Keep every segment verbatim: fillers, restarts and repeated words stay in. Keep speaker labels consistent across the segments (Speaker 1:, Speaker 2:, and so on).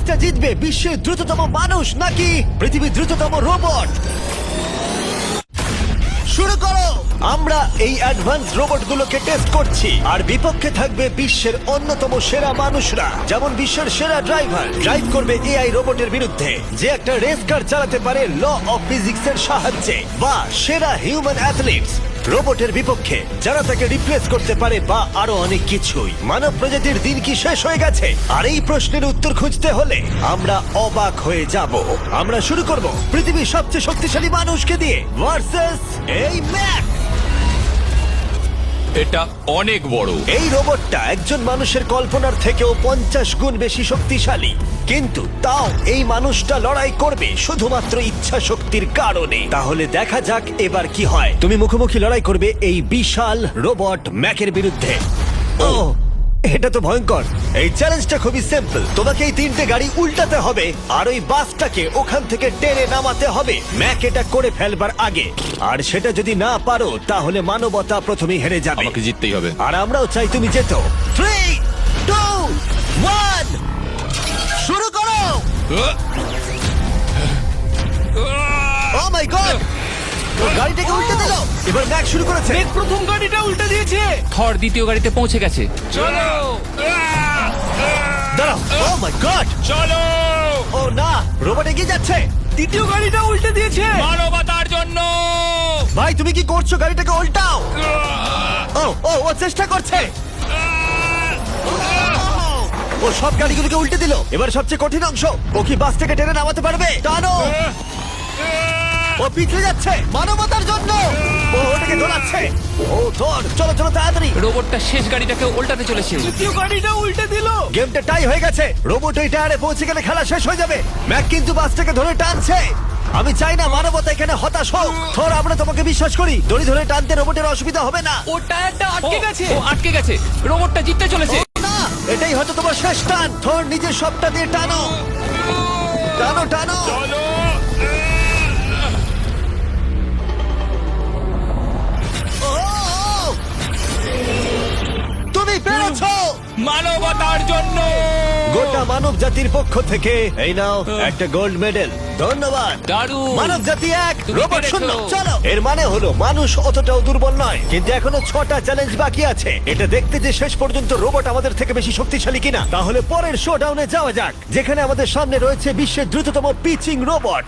Speaker 1: রেসটা জিতবে বিশ্বের দ্রুততম মানুষ নাকি পৃথিবীর দ্রুততম রোবট? শুরু করো। আমরা এই অ্যাডভান্স রোবটগুলোকে টেস্ট করছি আর বিপক্ষে থাকবে বিশ্বের অন্যতম সেরা মানুষরা, যেমন বিশ্বের সেরা ড্রাইভার ড্রাইভ করবে এআই রোবটের বিরুদ্ধে যে একটা রেস কার চালাতে পারে ল অফ ফিজিক্সের সাহায্যে, বা সেরা হিউম্যান অ্যাথলিটস রোবটের বিপক্ষে যারা তাকে রিপ্লেস করতে পারে, বা আরো অনেক কিছুই। মানব প্রজাতির দিন কি শেষ হয়ে গেছে? আর এই প্রশ্নের উত্তর খুঁজতে হলে আমরা অবাক হয়ে যাব। আমরা শুরু করব পৃথিবীর সবচেয়ে শক্তিশালী মানুষকে দিয়ে ভার্সেস এই ম্যাক।
Speaker 2: এটা অনেক বড়।
Speaker 1: এই রোবটটা একজন মানুষের কল্পনার থেকেও পঞ্চাশ গুণ বেশি শক্তিশালী, কিন্তু তাও এই মানুষটা লড়াই করবে শুধুমাত্র ইচ্ছা শক্তির কারণে। তাহলে দেখা যাক এবার কি হয়। তুমি মুখোমুখি লড়াই করবে এই বিশাল রোবট ম্যাকের বিরুদ্ধে। ও, এটা তো ভয়ঙ্কর। এই চ্যালেঞ্জটা খুবই সিম্পল। তোমাকে এই তিনটে গাড়ি উল্টাতে হবে আর ওই বাসটাকে ওখান থেকে টেনে নামাতে হবে ম্যাক এটা করে ফেলবার আগে। আর সেটা যদি না পারো তাহলে মানবতা প্রথমেই হেরে যাবে।
Speaker 2: আমাকে জিততেই হবে।
Speaker 1: আর আমরাও চাই তুমি যেত। থ্রি টু ওয়ান শুরু করো। ও মাই গড, ও গাড়িটাকে উল্টে দিল। এবার ম্যাক শুরু করেছে।
Speaker 3: প্রথম গাড়িটা উল্টে দিয়েছে।
Speaker 2: থর দ্বিতীয় গাড়িতে পৌঁছে গেছে।
Speaker 3: চলো
Speaker 1: দাঁড়াও। ও মাই গড,
Speaker 2: চলো
Speaker 1: ও না, রোবট এগিয়ে যাচ্ছে।
Speaker 3: দ্বিতীয় গাড়িটা উল্টে দিয়েছে।
Speaker 2: মানবতার জন্য।
Speaker 1: ভাই তুমি কি করছো? গাড়িটাকে উল্টাও। ও ও ও চেষ্টা করছে। ও সব গাড়িগুলোকে উল্টে দিল। এবার সবচেয়ে কঠিন অংশ, ও কি বাস থেকে টেনে নামাতে পারবে? টানো। ও পিছলে যাচ্ছে মানবতার জন্য। ও ওটাকে দোলাচ্ছে। ও ধর, চলো চলো তাড়াতাড়ি।
Speaker 2: রোবটটা শেষ গাড়িটাকে উল্টাতে চলেছে।
Speaker 3: দ্বিতীয় গাড়িটা উল্টে দিল।
Speaker 1: গেমটা টাই হয়ে গেছে। রোবট ওই টায়ারে পৌঁছে গেলে খেলা শেষ হয়ে যাবে। ম্যাক কিন্তু বাসটাকে ধরে টানছে। আমি চাই না মানবতা এখানে হতাশ হোক। থর, আমরা তোমাকে বিশ্বাস করি। দড়ি ধরে টানতে রোবটের অসুবিধা হবে না।
Speaker 3: ও টায়ারটা আটকে
Speaker 2: ও,
Speaker 3: গেছে।
Speaker 2: ও আটকে গেছে। রোবটটা জিততে চলেছে।
Speaker 1: না, এটাই হয়তো তোমার শেষ টান। থর, নিজের সবটা দিয়ে টানো টানো টানো। ও, তুমি পেরেছো।
Speaker 2: মানবতার জন্য।
Speaker 1: গোটা মানব জাতির পক্ষ থেকে এই নাও একটা গোল্ড মেডেল। ধন্যবাদ।
Speaker 2: দারুণ।
Speaker 1: মানব জাতি এক,
Speaker 2: তুমি
Speaker 1: রোবট
Speaker 2: পেরেছো।
Speaker 1: শূন্য। চলো, এর মানে হলো মানুষ অতটাও দুর্বল নয়, কিন্তু এখনো ছটা চ্যালেঞ্জ বাকি আছে। এটা দেখতে যে শেষ পর্যন্ত রোবট আমাদের থেকে বেশি শক্তিশালী কিনা। তাহলে পরের শোডাউনে যাওয়া যাক, যেখানে আমাদের সামনে রয়েছে বিশ্বের দ্রুততম পিচিং রোবট।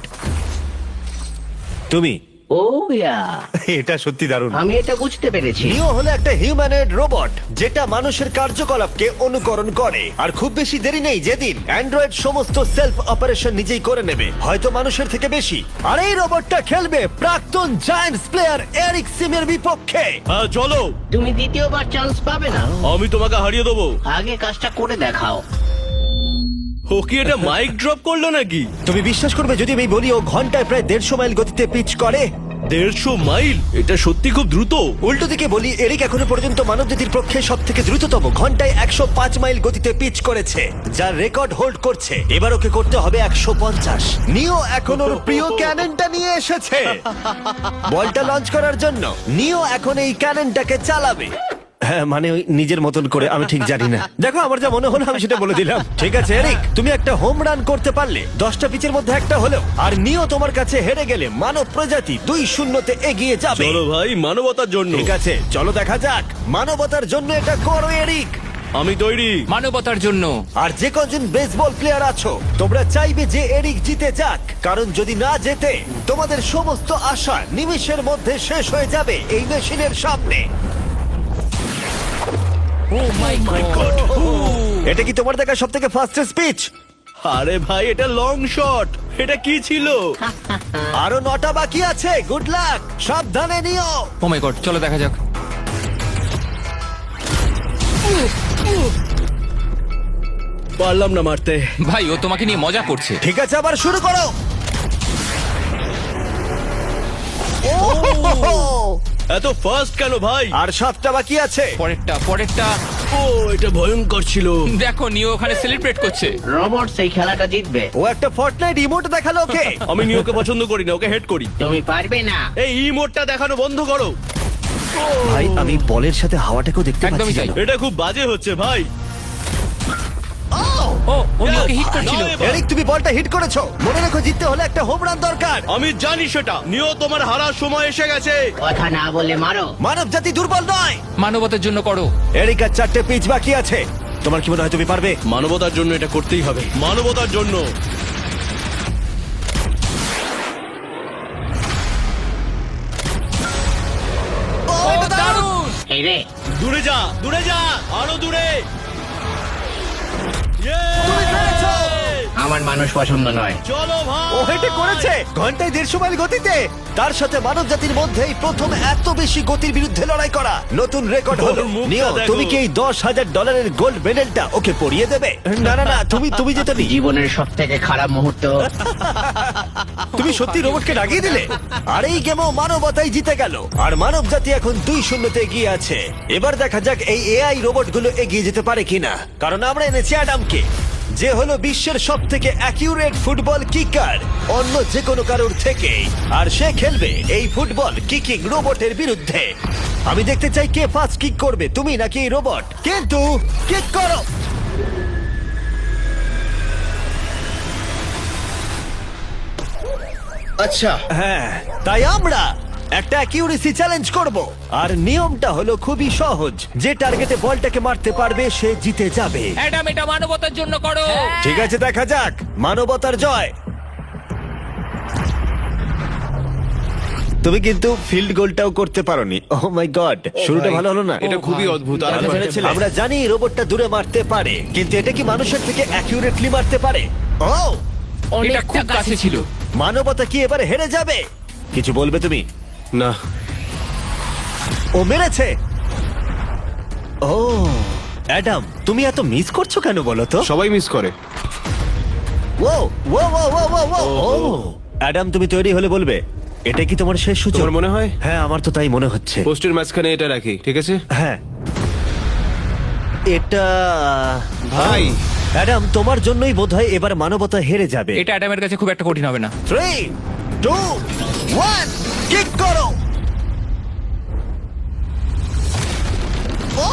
Speaker 1: তুমি
Speaker 4: ও ইয়া,
Speaker 1: এটা সত্যি দারুণ।
Speaker 4: আমি এটা বুঝতে পেরেছি।
Speaker 1: নিও হলো একটা হিউম্যানয়েড রোবট যেটা মানুষের কার্যকলাপকে অনুকরণ করে। আর খুব বেশি দেরি নেই যেদিন অ্যান্ড্রয়েড সমস্ত সেলফ অপারেশন নিজেই করে নেবে, হয়তো মানুষের থেকে বেশি। আর এই রোবটটা খেলবে প্রাক্তন জায়ান্টস প্লেয়ার এরিক সিমের বিপক্ষে।
Speaker 5: হ্যাঁ চলো,
Speaker 4: তুমি দ্বিতীয়বার চান্স পাবে না।
Speaker 5: আমি তোমাকে হারিয়ে দেবো।
Speaker 4: আগে কাজটা করে দেখাও।
Speaker 5: ও কি এটা মাইক ড্রপ করলো নাকি?
Speaker 1: তুমি বিশ্বাস করবে যদি আমি বলি ও ঘন্টায় প্রায় দেড়শো মাইল গতিতে পিচ করে?
Speaker 5: দেড়শো মাইল? এটা সত্যি খুব দ্রুত।
Speaker 1: উল্টো দিকে বলি, এরিক এখনো পর্যন্ত মানবজাতির পক্ষে সব থেকে দ্রুততম ঘন্টায় একশো পাঁচ মাইল গতিতে পিচ করেছে, যার রেকর্ড হোল্ড করছে। এবার ওকে করতে হবে একশো পঞ্চাশ। নিও এখন ওর প্রিয় ক্যাননটা নিয়ে এসেছে বলটা লঞ্চ করার জন্য। নিও এখন এই ক্যাননটাকে চালাবে। হ্যাঁ, মানে ওই নিজের মতন করে, আমি ঠিক জানি না। দেখো, আমার যা মনে হলো আমি সেটা বলে দিলাম। ঠিক আছে এরিক, তুমি একটা হোম রান করতে পারলে দশটা পিচের মধ্যে একটা হলেও, আর নিও তোমার কাছে হেরে গেলে মানব প্রজাতি দুই শূন্যতে এগিয়ে যাবে।
Speaker 5: চলো ভাই, মানবতার জন্য।
Speaker 1: ঠিক আছে, চলো দেখা যাক। মানবতার জন্য এটা করো এরিক।
Speaker 5: আমি তৈরি।
Speaker 2: মানবতার জন্য।
Speaker 1: আর যে কজন বেসবল প্লেয়ার আছো, তোমরা চাইবে যে এরিক জিতে যাক, কারণ যদি না জেতে তোমাদের সমস্ত আশা নিমেষের মধ্যে শেষ হয়ে যাবে এই মেশিনের সামনে।
Speaker 2: Oh my God.
Speaker 1: এটা কি তোমার দেখা সব থেকে ফাস্টেস্ট স্পিচ?
Speaker 5: আরে ভাই, এটা লং শট। এটা কি ছিল?
Speaker 1: আরো নটা বাকি আছে। গুড লাক, সাবধানে নিও।
Speaker 2: ও মাই গড, চলো দেখা যাক।
Speaker 5: পারলাম না মারতে।
Speaker 2: ভাই, ও তোমাকে নিয়ে মজা করছে।
Speaker 1: ঠিক আছে, আবার শুরু করো।
Speaker 5: এত ফাস্ট কেন ভাই?
Speaker 1: আর সাতটা বাকি আছে।
Speaker 2: পরেরটা পরেরটা।
Speaker 5: ও, এটা ভয়ঙ্কর ছিল।
Speaker 2: দেখো, নিও ওখানে সেলিব্রেট করছে।
Speaker 4: রোবট সেই খেলাটা জিতবে।
Speaker 1: ও একটা ফর্টনাইট ইমোট দেখালো ওকে।
Speaker 5: আমি নিয়োকে পছন্দ করি না, ওকে হেড করি।
Speaker 4: তুমি পারবে না।
Speaker 5: এই ইমোটটা দেখানো বন্ধ করো।
Speaker 1: ভাই, আমি বলের সাথে হাওয়াটাকেও দেখতে
Speaker 2: একদমই
Speaker 1: পাচ্ছি।
Speaker 2: তাই।
Speaker 5: এটা খুব বাজে হচ্ছে ভাই।
Speaker 2: ও ও নিওকে হিট করছিল।
Speaker 5: নাও এবার।
Speaker 1: এরিক তুমি বলটা হিট করেছো, মনে রেখো জিততে হলে একটা হোম রান দরকার।
Speaker 5: আমি জানি সেটা। নিও, তোমার হারার সময় এসে গেছে।
Speaker 4: কথা না বলে মারো।
Speaker 1: মানব জাতি দুর্বল নয়।
Speaker 2: মানবতার জন্য করো।
Speaker 1: এরিক আর চারটে পিচ বাকি আছে, তোমার কি মনে হয় তুমি পারবে?
Speaker 5: মানবতার জন্য এটা করতেই হবে, মানবতার জন্য।
Speaker 1: ও, এটা দারুণ!
Speaker 4: এই রে,
Speaker 5: দূরে যা, দূরে যা, আরো দূরে।
Speaker 1: তুমি পেরেছো!
Speaker 4: আমার মানুষ পছন্দ নয়।
Speaker 5: চলো ভাই।
Speaker 1: ও হেটে করেছে ঘন্টায় দেড়শো মাইল গতিতে। তার সাথে মানব জাতির মধ্যেই প্রথম এত বেশি গতির বিরুদ্ধে লড়াই করা নতুন রেকর্ড হলো।
Speaker 5: ওর মুখটা
Speaker 1: নিও,
Speaker 5: দেখো।
Speaker 1: তুমি কি এই দশ হাজার ডলারের গোল্ড মেডেলটা ওকে পরিয়ে দেবে? না না না, তুমি তুমি যেতে নি।
Speaker 4: জীবনের সব থেকে খারাপ মুহূর্ত।
Speaker 1: তুমি সত্যি রোবটকে ডাকিয়ে দিলে। আর এই গেমও মানবতাই জিতে গেল, আর মানব জাতি এখন দুই শূন্যতে এগিয়ে আছে। এবার দেখা যাক এই এআই রোবটগুলো এগিয়ে যেতে পারে কিনা, কারণ আমরা এনেছি অ্যাডামকে, যে হলো বিশ্বের সব থেকে অ্যাকিউরেট ফুটবল কিকার অন্য যে কোনো কারোর থেকে, আর সে খেলবে এই ফুটবল কিকিং রোবটের বিরুদ্ধে। আমি দেখতে চাই কে ফার্স্ট কিক করবে, তুমি নাকি এই রোবট। কিন্তু কিক করো।
Speaker 5: আচ্ছা,
Speaker 1: হ্যাঁ, তাই আমরা একটা অ্যাকিউরেসি চ্যালেঞ্জ করব, আর নিয়মটা হলো খুবই সহজ। যে টার্গেটে বলটাকে মারতে পারবে সে জিতে যাবে।
Speaker 2: অ্যাডাম, এটা মানবতার জন্য করো।
Speaker 1: ঠিক আছে, দেখা যাক মানবতার জয়। তুমি কিন্তু ফিল্ড গোলটাও করতে পারোনি। ওহ মাই গড, শুরুটা ভালো হলো না।
Speaker 5: এটা খুবই অদ্ভুত। আর
Speaker 1: আমরা ভেবেছিলাম- আমরা জানি রোবটটা দূরে মারতে পারে, কিন্তু এটা কি মানুষের থেকে অ্যাকিউরেটলি মারতে পারে? ও,
Speaker 2: এটা খুব কাছে ছিল।
Speaker 1: মানবতা কি এবারে হেরে যাবে? কিছু বলবে তুমি?
Speaker 5: না,
Speaker 1: ও মেরেছে। ও অ্যাডাম, তুমি এত মিস করছো কেন বলো তো?
Speaker 5: সবাই মিস করে।
Speaker 1: ও ও ও ও ও ও ও অ্যাডাম, তুমি তৈরি হলে বলবে। এটা কি তোমার শেষ সূচক?
Speaker 5: তোমার মনে হয়?
Speaker 1: হ্যাঁ, আমার তো তাই মনে হচ্ছে।
Speaker 5: পোস্টের মাঝখানে এটা রাখি, ঠিক আছে?
Speaker 1: হ্যাঁ, এটা
Speaker 5: ভাই।
Speaker 1: অ্যাডাম, তোমার জন্যই বোধহয় এবার মানবতা হেরে যাবে।
Speaker 2: এটা অ্যাডামের কাছে খুব একটা কঠিন হবে না।
Speaker 1: থ্রি টু ওয়ান, কিক করো। ও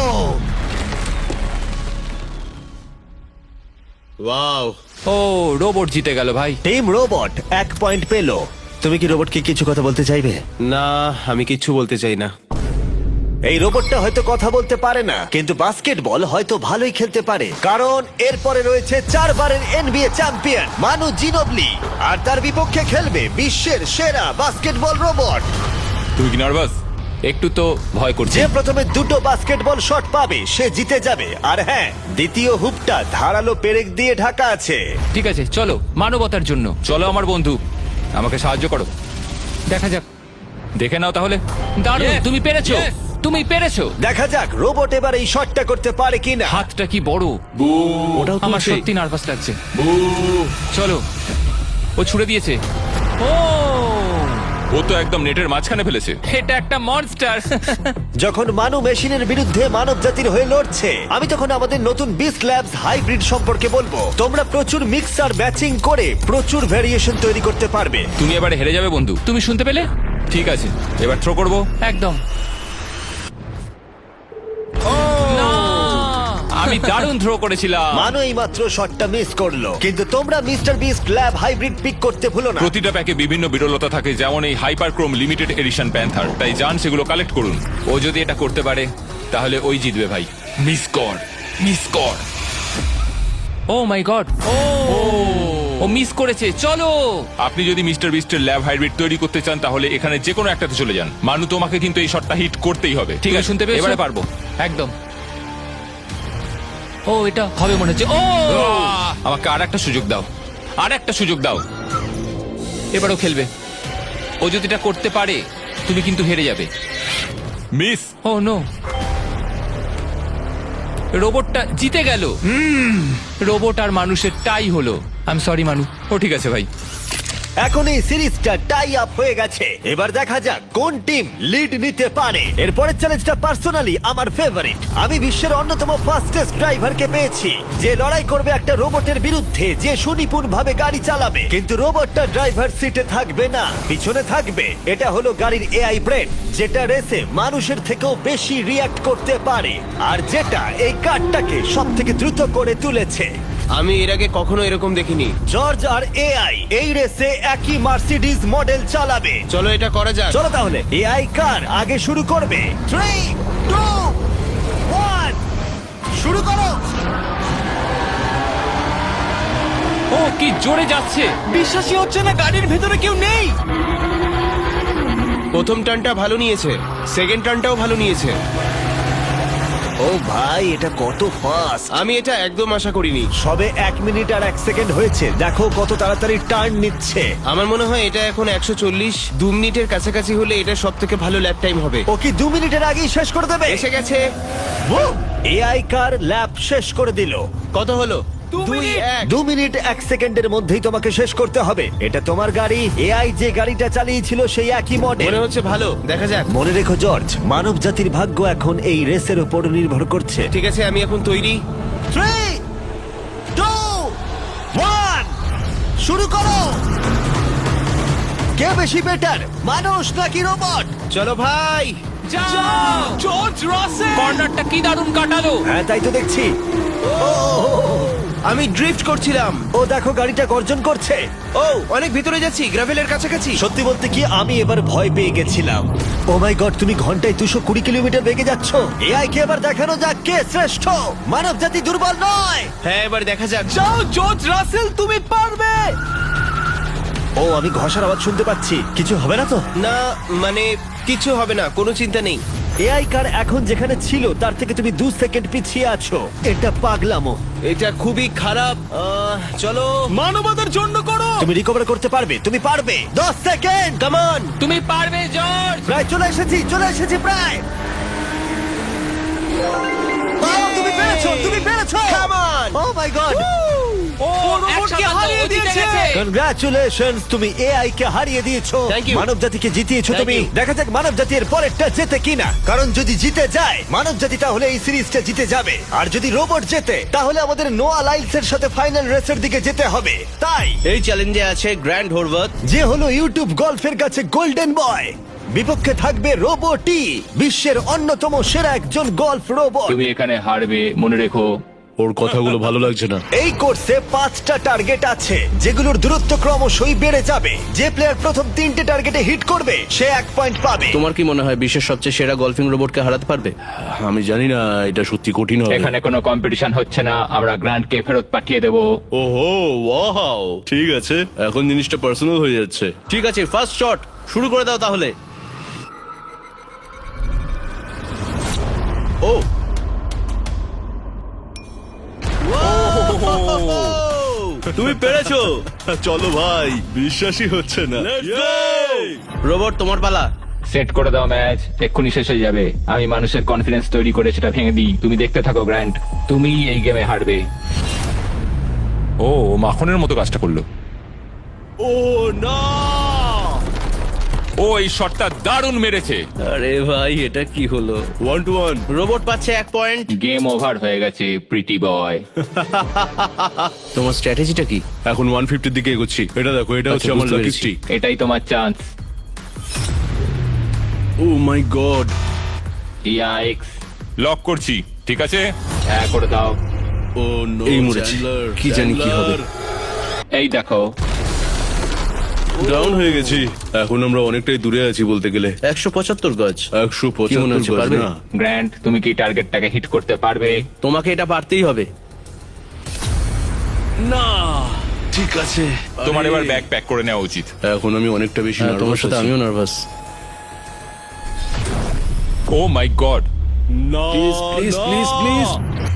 Speaker 5: ওয়াও।
Speaker 2: ও, রোবট জিতে গেল ভাই।
Speaker 1: টিম রোবট এক পয়েন্ট পেলো। তুমি কি রোবটকে কিছু কথা বলতে চাইবে?
Speaker 5: না, আমি কিচ্ছু বলতে চাই না।
Speaker 1: এই রোবটটা হয়তো কথা বলতে পারে না, কিন্তু বাস্কেটবল হয়তো ভালোই খেলতে পারে, কারণ এরপরে রয়েছে চারবারের এনবিএ চ্যাম্পিয়ন মানু জিনোবলি, আর তার বিপক্ষে খেলবে বিশ্বের সেরা বাস্কেটবল রোবট।
Speaker 2: তুমি কি নার্ভাস? একটু তো ভয় করছে।
Speaker 1: যে প্রথমে দুটো বাস্কেটবল শট পাবে সে জিতে যাবে। আর হ্যাঁ, দ্বিতীয় হুপটা ধারালো পেরেক দিয়ে ঢাকা আছে।
Speaker 2: ঠিক আছে, চলো মানবতার জন্য। চলো আমার বন্ধু, আমাকে সাহায্য করো। দেখা যাক, দেখে নাও তাহলে। দারুণ,
Speaker 3: Yes,
Speaker 2: তুমি পেরেছো,
Speaker 3: yes.
Speaker 2: তুমি পেরেছো।
Speaker 1: দেখা যাক রোবট এবার এই শটটা করতে পারে কিনা।
Speaker 2: হাতটা কি বড়!
Speaker 5: ওটাও
Speaker 2: আমার
Speaker 5: তুলছে।
Speaker 2: সত্যি নার্ভাস লাগছে। চলো, ও ছুড়ে দিয়েছে। ও,
Speaker 6: ও তো একদম নেটের মাঝখানে ফেলেছে।
Speaker 2: এটা একটা মনস্টার।
Speaker 1: যখন মানু মেশিনের বিরুদ্ধে মানব জাতির হয়ে লড়ছে, আমি তখন আমাদের নতুন বিস্ট ল্যাবস হাইব্রিড সম্পর্কে বলবো। তোমরা প্রচুর মিক্সার ম্যাচিং করে প্রচুর ভ্যারিয়েশন তৈরি করতে পারবে।
Speaker 6: তুমি এবারে হেরে যাবে বন্ধু।
Speaker 2: তুমি শুনতে পেলে?
Speaker 6: ঠিক আছে, এবার থ্রো করবো।
Speaker 2: একদম। না, আমি দারুণ থ্রো করেছিলাম।
Speaker 1: মানু এই মাত্র শটটা মিস করলো, কিন্তু তোমরা Mister Beast Lab Hybrid pick করতে ভুলো না।
Speaker 6: প্রতিটা প্যাকে বিভিন্ন বিরলতা থাকে, যেমন এই হাইপারক্রোম লিমিটেড এডিশন প্যান্থার। তাই যান সেগুলো কালেক্ট করুন।
Speaker 2: ও যদি এটা করতে পারে তাহলে ওই জিতবে ভাই।
Speaker 6: মিস কর, মিস কর।
Speaker 2: ও my God! O O miss করেছে। চলো,
Speaker 6: আপনি যদি মিস্টার বিস্টের ল্যাব হাইব্রিড তৈরি করতে চান তাহলে এখানে যে কোনো একটাতে চলে যান। মানু, তোমাকে কিন্তু এই শটটা হিট করতেই হবে।
Speaker 2: ঠিক আছে, শুনতে পেয়েছো?
Speaker 6: এবারে পারবো।
Speaker 2: একদম। ও, এটা হবে মনে হচ্ছে। ও,
Speaker 6: আহ! আমাকে আর একটা সুযোগ দাও, আর একটা সুযোগ দাও।
Speaker 2: এবারও খেলবে। ও যদি এটা করতে পারে তুমি কিন্তু হেরে যাবে।
Speaker 6: মিস।
Speaker 2: ও নো, রোবটটা জিতে গেল। রোবট আর মানুষের টাই হলো। আই এম সরি মানু।
Speaker 6: ও ঠিক আছে ভাই।
Speaker 1: এখন এই সিরিজটা টাই আপ হয়ে গেছে। এবার দেখা যাক কোন টিম লিড নিতে পারে। এরপরের চ্যালেঞ্জটা পার্সোনালি আমার ফেভারিট। আমি বিশ্বের অন্যতম ফাস্টেস্ট ড্রাইভারকে পেয়েছি, যে লড়াই করবে একটা রোবটের বিরুদ্ধে যে সুনিপুণ ভাবে গাড়ি চালাবে। কিন্তু রোবটটা ড্রাইভার সিটে থাকবে না, পিছনে থাকবে। এটা হলো গাড়ির এআই ব্রেন, যেটা রেসে মানুষের থেকেও বেশি রিয়্যাক্ট করতে পারে, আর যেটা এই কারটাকে সব থেকে দ্রুত করে তুলেছে।
Speaker 5: আমি এর আগে কখনো এরকম দেখিনি।
Speaker 1: জর্জ আর এআই এই রেসে একই মার্সিডিজ মডেল চালাবে।
Speaker 5: চলো এটা করা যাক।
Speaker 1: চলো তাহলে এআই কার আগে শুরু করবে। থ্রি টু ওয়ান, শুরু করো।
Speaker 2: ও কি জোরে যাচ্ছে!
Speaker 3: বিশ্বাসই হচ্ছে না গাড়ির ভেতরে কেউ নেই।
Speaker 5: প্রথম টার্নটা ভালো নিয়েছে, সেকেন্ড টার্নটাও ভালো নিয়েছে।
Speaker 1: ও ভাই, এটা কত ফাস্ট!
Speaker 5: আমি এটা একদম আশা করিনি।
Speaker 1: সবে এক মিনিট আর এক সেকেন্ড হয়েছে, দেখো কত তাড়াতাড়ি টার্ন নিচ্ছে।
Speaker 5: আমার মনে হয় এটা এখন একশো চল্লিশ, দু মিনিটের কাছাকাছি হলে এটা সব থেকে ভালো ল্যাপ টাইম হবে।
Speaker 1: ও কি দু মিনিটের আগেই শেষ করে দেবে?
Speaker 5: এসে গেছে।
Speaker 1: এআই কার ল্যাব শেষ করে দিল।
Speaker 5: কত হলো?
Speaker 3: দু
Speaker 5: দুই
Speaker 3: মিনিট।
Speaker 5: এক।
Speaker 1: দু মিনিট এক সেকেন্ডের মধ্যেই তোমাকে শেষ করতে হবে। এটা তোমার গাড়ি, এআই যে গাড়িটা চালিয়েছিল সেই একই মডেল।
Speaker 5: মনে হচ্ছে ভালো, দেখা যাক।
Speaker 1: মনে রেখো জর্জ, মানব জাতির ভাগ্য এখন এই রেসের উপর নির্ভর করছে।
Speaker 5: ঠিক আছে, আমি এখন তৈরি।
Speaker 1: থ্রি টু ওয়ান, শুরু করো। কে বেশি বেটার, মানুষ নাকি রোবট?
Speaker 5: চলো ভাই।
Speaker 2: যাও!
Speaker 3: জর্জ রাসেল।
Speaker 2: কর্নারটা কি দারুণ কাটালো!
Speaker 1: হ্যাঁ, তাই তো দেখছি। ও,
Speaker 5: আমি ড্রিফট করছিলাম।
Speaker 1: ও দেখো গাড়িটা গর্জন করছে।
Speaker 5: ও অনেক ভিতরে যাচ্ছি, গ্রাভেলের কাছাকাছি।
Speaker 1: সত্যি বলতে কি, আমি এবার ভয় পেয়ে গেছিলাম। ও মাই গড, তুমি ঘন্টায় দুশো কুড়ি কিলোমিটার বেগে যাচ্ছ। এআই কে এবার দেখানো যাক কে শ্রেষ্ঠ। মানব জাতি দুর্বল নয়।
Speaker 5: হ্যাঁ, এবার দেখা যাক।
Speaker 3: যাও জর্জ রাসেল, তুমি পারবে।
Speaker 1: ও, আমি ঘষার আওয়াজ শুনতে পাচ্ছি। কিছু হবে না তো?
Speaker 5: না মানে কিছু হবে না, কোনো চিন্তা নেই।
Speaker 1: এআই কার এখন যেখানে ছিল তার থেকে তুমি দু সেকেন্ড পিছিয়ে আছো। এটা পাগলামো।
Speaker 5: এটা খুবই খারাপ। আহ, চলো।
Speaker 3: মানবতার জন্য করো।
Speaker 1: তুমি রিকভার করতে পারবে, তুমি পারবে। দশ সেকেন্ড, কাম অন।
Speaker 2: তুমি পারবে জর্জ!
Speaker 1: প্রায় চলে এসেছি, চলে এসেছি প্রায়। ও, তুমি পেরেছো, তুমি পেরেছো।
Speaker 5: Come on!
Speaker 1: Oh my God,
Speaker 2: ও
Speaker 3: রোবটকে
Speaker 2: একসাথে
Speaker 3: হারিয়ে
Speaker 2: ও জিতে
Speaker 3: দিয়েছে।
Speaker 2: গেছে।
Speaker 1: কনগ্রাচুলেশনস, তুমি এআই কে হারিয়ে দিয়েছো।
Speaker 5: Thank you.
Speaker 1: মানব জাতিকে জিতিয়েছো
Speaker 5: Thank
Speaker 1: তুমি।
Speaker 5: you.
Speaker 1: দেখা যাক মানব জাতির পরেরটা জেতে কিনা। কারণ যদি জিতে যায় মানব জাতি, তাহলে এই সিরিজটা জিতে যাবে। আর যদি রোবট জেতে, তাহলে আমাদের নোয়া লাইলসের সাথে ফাইনাল রেসের দিকে যেতে হবে। তাই
Speaker 5: এই চ্যালেঞ্জে আছে গ্র্যান্ড হোরভাত।
Speaker 1: যে হলো ইউটিউব গল্ফের কাছে গোল্ডেন বয়, বিপক্ষে থাকবে রোবটই, বিশ্বের অন্যতম সেরা একজন গল্ফ রোবট।
Speaker 2: তুমি এখানে হারবে, মনে রেখো।
Speaker 7: ওর কথাগুলো ভালো লাগছে না।
Speaker 1: এই কোর্সে পাঁচটা টার্গেট আছে, যেগুলোর দূরত্ব ক্রমশই বেড়ে যাবে। যে প্লেয়ার প্রথম তিনটে টার্গেটে হিট করবে সে এক পয়েন্ট পাবে।
Speaker 8: তোমার কি মনে হয় বিশ্বের সবচেয়ে সেরা গলফিং রোবটকে হারাতে পারবে?
Speaker 7: আমি জানি না, এটা সত্যি কঠিন হবে।
Speaker 2: এখানে কোনো কম্পিটিশন হচ্ছে না, আমরা গ্র্যান্ডকে ফেরত পাঠিয়ে দেবো।
Speaker 7: ওহো, ওয়াও, ঠিক আছে, এখন জিনিসটা পার্সোনাল হয়ে যাচ্ছে।
Speaker 8: ঠিক আছে, ফার্স্ট শট শুরু করে দাও তাহলে।
Speaker 7: ও, তুমি পেরেছো। চলো ভাই, বিশ্বাসই হচ্ছে না।
Speaker 8: রোবট তোমার পালা।
Speaker 2: সেট করে দাও ম্যাচ, এক্ষুনি শেষ হয়ে যাবে। আমি মানুষের কনফিডেন্স তৈরি করে সেটা ভেঙে দিই। তুমি দেখতে থাকো গ্র্যান্ড, তুমি এই গেমে হারবে।
Speaker 6: ও ও মাখনের মতো কাজটা করলো।
Speaker 7: ও না,
Speaker 6: ও এই শটটা দারুণ মেরেছে।
Speaker 8: আরে ভাই, এটা কি হলো?
Speaker 7: One two one.
Speaker 8: রোবট পাচ্ছে এক পয়েন্ট।
Speaker 2: গেম ওভার হয়ে গেছে, প্রিটি বয়।
Speaker 8: তোমার স্ট্র্যাটেজিটা কি?
Speaker 7: এখন ওয়ান ফিফটির দিকে এগোচ্ছি। এটা দেখো, এটা হচ্ছে
Speaker 8: আচ্ছা,
Speaker 7: আমার
Speaker 8: বুঝতে
Speaker 7: লাকি
Speaker 8: পেরেছি।
Speaker 7: স্ট্রিক।
Speaker 2: এটাই তোমার chance.
Speaker 7: Oh my God.
Speaker 2: Yikes,
Speaker 6: lock করছি, ঠিক আছে।
Speaker 2: হ্যাঁ করে দাও।
Speaker 7: ও নো,
Speaker 8: এই মরেছে। কি জানি কি হবে।
Speaker 2: এই দেখো,
Speaker 7: ডাউন হয়ে গেছি। এখন আমরা অনেকটাই দূরে আছি বলতে গেলে।
Speaker 8: একশো পঁচাত্তর গজ।
Speaker 7: একশো
Speaker 8: কি মনে হচ্ছে,
Speaker 7: পঁচাত্তর
Speaker 8: পারবে?
Speaker 7: না।
Speaker 2: গ্র্যান্ড তুমি কি টার্গেটটাকে হিট করতে পারবে?
Speaker 8: তোমাকে এটা পারতেই হবে।
Speaker 7: না, ঠিক আছে।
Speaker 6: তোমার
Speaker 7: আরে,
Speaker 6: এবার ব্যাগ প্যাক করে নেওয়া উচিত।
Speaker 7: এখন আমি অনেকটা বেশি
Speaker 8: হ্যাঁ, তোমার
Speaker 7: নার্ভাস
Speaker 8: সাথে
Speaker 7: আছি।
Speaker 8: আমিও নার্ভাস।
Speaker 6: ও মাই গড,
Speaker 7: না,
Speaker 8: Please, please,
Speaker 7: না।
Speaker 8: please, please.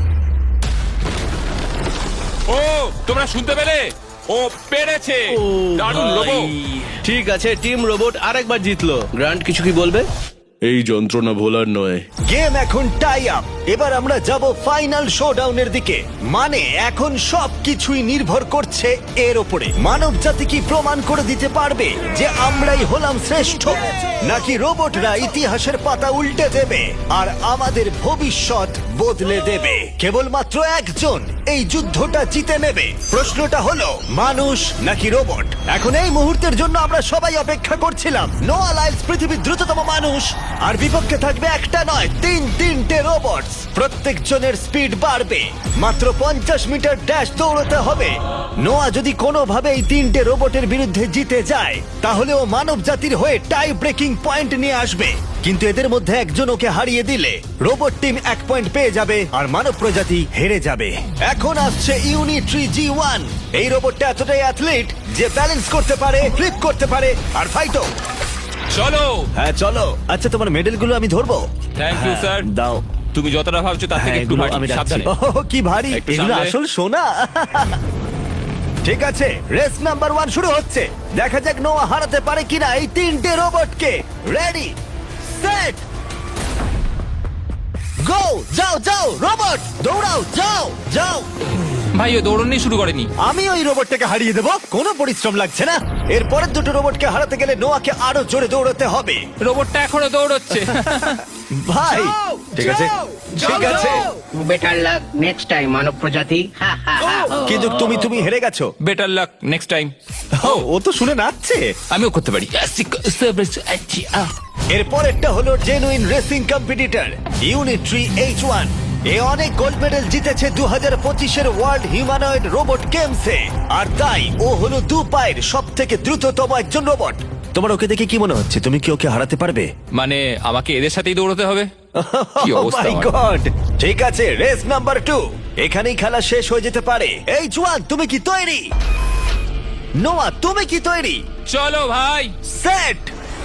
Speaker 6: ও তোমরা শুনতে পেলে? ও পেরেছে। দারুণ লোবো।
Speaker 8: ঠিক আছে, টিম রোবট আরেকবার জিতলো। গ্র্যান্ড কিছু কি বলবে?
Speaker 7: এই যন্ত্রণা ভোলার নয়।
Speaker 1: গেম এখন টাই আপ। এবার আমরা যাব ফাইনাল শোডাউনের দিকে। মানে এখন সবকিছুই নির্ভর করছে এর উপরে। মানব জাতি কি প্রমাণ করে দিতে পারবে যে আমরাই হলাম শ্রেষ্ঠ, নাকি রোবটরা ইতিহাসের পাতা উল্টে দেবে আর আমাদের ভবিষ্যৎ বদলে দেবে? কেবলমাত্র একজন এই যুদ্ধটা জিতে নেবে। প্রশ্নটা হলো মানুষ নাকি রোবট? এখন এই মুহূর্তের জন্য আমরা সবাই অপেক্ষা করছিলাম। নোয়া লাইলস পৃথিবীর দ্রুততম মানুষ, আর বিপক্ষে থাকবে একটা নয় তিন তিনটে রোবট। প্রত্যেকজনের স্পিড বাড়বে। মাত্র পঞ্চাশ মিটার ড্যাশ দৌড়তে হবে। নোয়া যদি কোনোভাবে এই তিনটে রোবটের বিরুদ্ধে জিতে যায়, তাহলে ও মানব জাতির হয়ে টাই ব্রেকিং পয়েন্ট নিয়ে আসবে। কিন্তু এদের মধ্যে একজন ওকে হারিয়ে দিলে রোবট টিম এক পয়েন্ট পেয়ে যাবে আর মানব প্রজাতি হেরে যাবে। এখন আসছে ইউনিট্রি জি ওয়ান। এই রোবটটা এতটাই অ্যাথলিট যে ব্যালেন্স করতে পারে, ফ্লিপ করতে পারে আর ফাইটও।
Speaker 6: চলো।
Speaker 1: হ্যাঁ চলো। আচ্ছা, তোমার মেডেলগুলো আমি ধরবো?
Speaker 6: Thank you sir.
Speaker 1: দাও।
Speaker 6: তুমি যতটা ভাবছো তার থেকে
Speaker 1: হ্যাঁ,
Speaker 6: একটু
Speaker 1: এগুলো
Speaker 6: ভারী।
Speaker 1: আমি রাখছি।
Speaker 6: সাবধানে।
Speaker 1: ওহ, কি ভারী!
Speaker 6: একটু
Speaker 1: এগুলো
Speaker 6: সামলে।
Speaker 1: আসল সোনা। ঠিক আছে, রেস নাম্বার ওয়ান শুরু হচ্ছে। দেখা যাক নোয়া হারাতে পারে কিনা এই তিনটে রোবটকে। Ready, set, go! যাও যাও রোবট, দৌড়াও, যাও যাও।
Speaker 2: ভাই ও দৌড়নি শুরু করেনি।
Speaker 1: আমি ওই রোবটটাকে হারিয়ে দেবো, কোনো পরিশ্রম লাগছে না। এর পরের দুটো রোবটকে হারাতে গেলে নোয়াকে আরো জোরে দৌড়াতে হবে।
Speaker 2: রোবটটা এখনো দৌড়চ্ছে।
Speaker 1: ভাই ঠিক আছে, ঠিক আছে,
Speaker 4: বেটার লাক নেক্সট টাইম মানব প্রজাতি। হা, হা, হা।
Speaker 1: কিন্তু তুমি তুমি হেরে গেছো।
Speaker 2: Better luck next time.
Speaker 1: ও, ও তো শুনে নাচছে।
Speaker 2: আমিও করতে পারি।
Speaker 1: এর পরেরটা হলো genuine racing competitor Unitree H one. এ অনেক গোল্ড মেডেল জিতেছে দু হাজার পঁচিশের ওয়ার্ল্ড হিউম্যানয়েড রোবট গেমসে, আর তাই ও হলো দু পায়ের সব থেকে দ্রুততম একজন রোবট। তোমার ওকে দেখে কি মনে হচ্ছে? তুমি কি ওকে হারাতে পারবে?
Speaker 2: মানে আমাকে এদের সাথেই দৌড়তে হবে? কি
Speaker 1: Oh
Speaker 2: অবস্থা
Speaker 1: my
Speaker 2: আমার।
Speaker 1: God! ঠিক আছে, রেস নাম্বার টু। এখানেই খেলা শেষ হয়ে যেতে পারে। এইচ ওয়ান, তুমি কি তৈরি? নোয়া, তুমি কি তৈরি?
Speaker 2: চলো ভাই।
Speaker 1: সেট,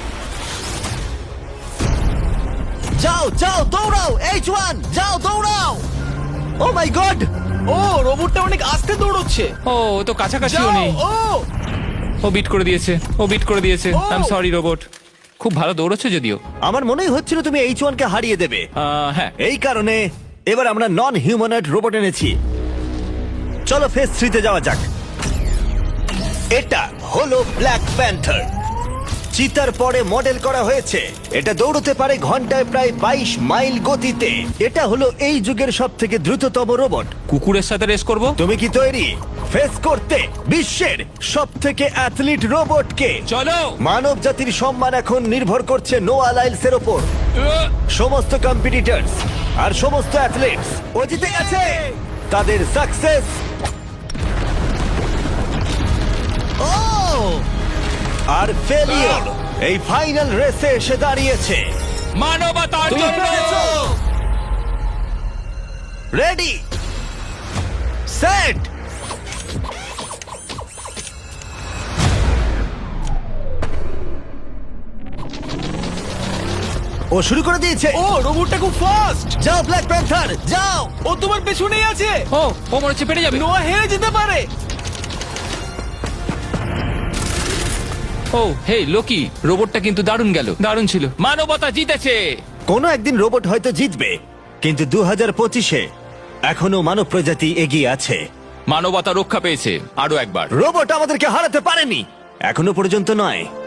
Speaker 1: যাও যাও দৌড়াও। এইচ ওয়ান, যাও দৌড়াও। ও মাই গড!
Speaker 3: ও রোবটটা অনেক আস্তে দৌড়চ্ছে।
Speaker 2: ও ও তো কাছাকাছিও
Speaker 3: যাও,
Speaker 2: নেই।
Speaker 3: ও
Speaker 2: ও বিট করে দিয়েছে, ও বিট করে দিয়েছে।
Speaker 3: Oh!
Speaker 2: I am sorry robot. খুব ভালো দৌড়চ্ছে যদিও।
Speaker 1: আমার মনেই হচ্ছিল তুমি এইচ ওয়ান কে হারিয়ে দেবে।
Speaker 2: আহ, হ্যাঁ।
Speaker 1: এই কারণে এবার আমরা নন হিউম্যানয়েড রোবট এনেছি। চলো ফেজ থ্রিতে যাওয়া যাক। এটা হলো ব্ল্যাক প্যান্থার। চিতার পরে মডেল করা হয়েছে। এটা দৌড়তে পারে ঘন্টায় প্রায় বাইশ মাইল গতিতে। এটা হলো এই যুগের সব থেকে দ্রুততম রোবট।
Speaker 2: কুকুরের সাথে রেস করব।
Speaker 1: তুমি কি তৈরি ফেস করতে বিশ্বের সব থেকে অ্যাথলিট রোবটকে?
Speaker 2: চলো।
Speaker 1: মানব জাতির সম্মান এখন নির্ভর করছে নোয়া লাইলসের ওপর। সমস্ত কম্পিটিটরস আর সমস্ত অ্যাথলিটস ও জিতে গেছে। তাদের সাকসেস ও আর ফেলিওর এই ফাইনাল রেসে এসে দাঁড়িয়েছে।
Speaker 2: মানবতার
Speaker 1: তুমি
Speaker 2: জন্য।
Speaker 1: পেরেছো। রেডি, সেট, ও শুরু করে দিয়েছে।
Speaker 3: ও রোবটটা খুব ফাস্ট।
Speaker 1: যাও ব্ল্যাক প্যান্থার, যাও।
Speaker 3: ও তোমার পেছনেই আছে।
Speaker 2: ও ও মনে হচ্ছে পেরে যাবে।
Speaker 3: নোয়া হেরে যেতে পারে।
Speaker 2: ও হেই লোকি, রোবটটা কিন্তু দারুণ গেল, দারুণ ছিল। মানবতা জিতেছে।
Speaker 1: কোনো একদিন রোবট হয়তো জিতবে, কিন্তু দু হাজার পঁচিশে এখনো মানব প্রজাতি এগিয়ে আছে।
Speaker 2: মানবতা রক্ষা পেয়েছে আরো একবার।
Speaker 1: রোবট আমাদেরকে হারাতে পারেনি, এখনো পর্যন্ত নয়।